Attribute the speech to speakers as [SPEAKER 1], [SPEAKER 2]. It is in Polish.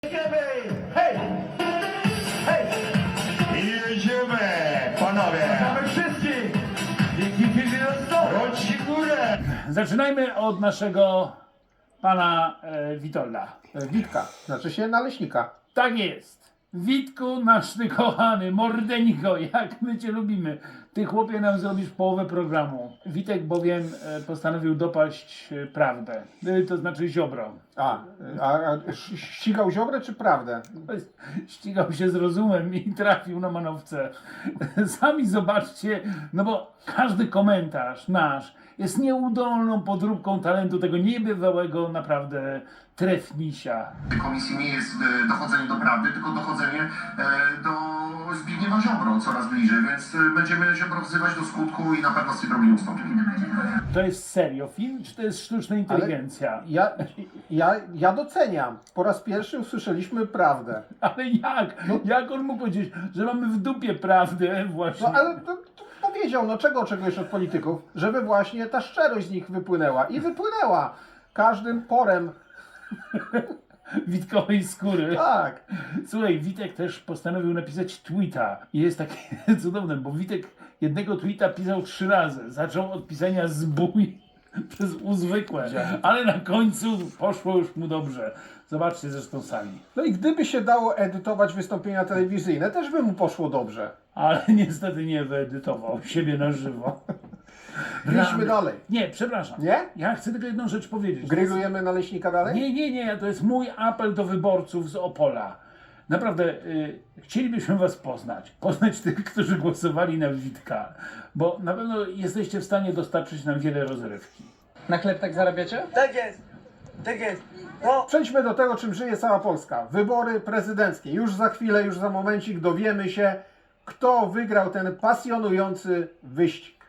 [SPEAKER 1] Hej! Hej!
[SPEAKER 2] Jedziemy, panowie!
[SPEAKER 1] Mamy wszystkich! Dzięki filmie
[SPEAKER 2] Rączki w górę!
[SPEAKER 3] Zaczynajmy od naszego pana Witolda.
[SPEAKER 4] Witka, znaczy się naleśnika.
[SPEAKER 3] Tak jest. Witku, nasz ty kochany, mordeńko, jak my cię lubimy. Ty, chłopie, nam zrobisz połowę programu. Witek bowiem postanowił dopaść prawdę, to znaczy Ziobro.
[SPEAKER 4] A ścigał Ziobrę czy prawdę?
[SPEAKER 3] Ścigał się z rozumem i trafił na manowce. Sami zobaczcie, no bo każdy komentarz nasz jest nieudolną podróbką talentu tego niebywałego naprawdę trefnisia.
[SPEAKER 5] Komisji nie jest dochodzenie do prawdy, tylko dochodzenie do Zbigniewa Ziobro coraz bliżej, więc będziemy Ziobro wzywać do skutku i na pewno z tej drogi nie ustąpimy.
[SPEAKER 3] To jest serio film, czy to jest sztuczna inteligencja?
[SPEAKER 4] Ja doceniam. Po raz pierwszy usłyszeliśmy prawdę.
[SPEAKER 3] Ale jak? Jak on mógł powiedzieć, że mamy w dupie prawdę właśnie?
[SPEAKER 4] No ale to powiedział, no czego oczekujesz od polityków? Żeby właśnie ta szczerość z nich wypłynęła. I wypłynęła. Każdym porem.
[SPEAKER 3] Witkowej skóry.
[SPEAKER 4] Tak.
[SPEAKER 3] Słuchaj, Witek też postanowił napisać tweeta. I jest takie cudowne, bo Witek jednego tweeta pisał 3 razy. Zaczął od pisania zbój przez uzwykłe, ale na końcu poszło już mu dobrze. Zobaczcie zresztą sami.
[SPEAKER 4] No i gdyby się dało edytować wystąpienia telewizyjne, też by mu poszło dobrze.
[SPEAKER 3] Ale niestety nie wyedytował siebie na żywo.
[SPEAKER 4] Idźmy dalej.
[SPEAKER 3] Nie, przepraszam.
[SPEAKER 4] Nie?
[SPEAKER 3] Ja chcę tylko jedną rzecz powiedzieć.
[SPEAKER 4] Grillujemy naleśnika dalej?
[SPEAKER 3] Nie, to jest mój apel do wyborców z Opola. Naprawdę, chcielibyśmy was poznać tych, którzy głosowali na Witka, bo na pewno jesteście w stanie dostarczyć nam wiele rozrywki.
[SPEAKER 6] Na chleb tak zarabiacie?
[SPEAKER 1] Tak jest! Tak jest! No!
[SPEAKER 4] Przejdźmy do tego, czym żyje cała Polska. Wybory prezydenckie. Już za chwilę, już za momencik dowiemy się, kto wygrał ten pasjonujący wyścig.